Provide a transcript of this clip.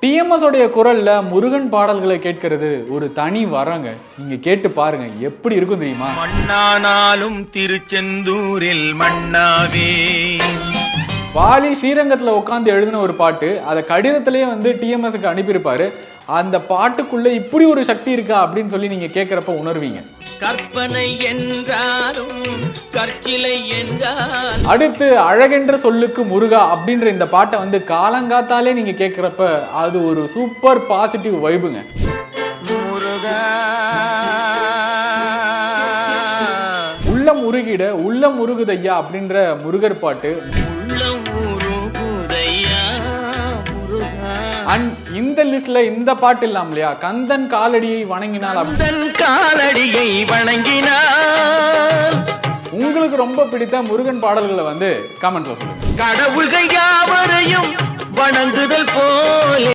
TMS உடைய குரல்ல முருகன் பாடல்களை கேட்கிறது ஒரு தனி வரங்க. நீங்க கேட்டு பாருங்க, எப்படி இருக்கும் தெரியுமா? மண்ணானாலும் திருச்செந்தூரில் மண்ணாவே. வாலி ஸ்ரீரங்கத்துல உட்காந்து எழுதின ஒரு பாட்டு, அதை கடிதத்திலேயே டிஎம்எஸ்க்கு அனுப்பியிருப்பாரு. அந்த பாட்டுக்குள்ள இப்படி ஒரு சக்தி இருக்கா அப்படின்னு சொல்லி நீங்க கேட்கிறப்ப உணர்வீங்க. கற்பனை என்றாலும் கற்சிலை என்றாலும். அடுத்து அழகென்ற சொல்லுக்கு முருகா அப்படின்ற இந்த பாட்டை காலங்காத்தாலே நீங்க கேட்கிறப்ப அது ஒரு சூப்பர் பாசிட்டிவ் வைபுங்க. முருகா உள்ளம் உருகிட உள்ளம் உருகுதையா அப்படின்ற முருகர் பாட்டு. இந்த லிஸ்ட்ல இந்த பாட்டு இல்லாம இல்லையா, கந்தன் காலடியை வணங்கினால். காலடியை வணங்கினால் உங்களுக்கு ரொம்ப பிடித்த முருகன் பாடல்களை கமெண்ட்ல சொல்லுங்க. கடவுள்கள் யாவரையும் வணங்குதல் போல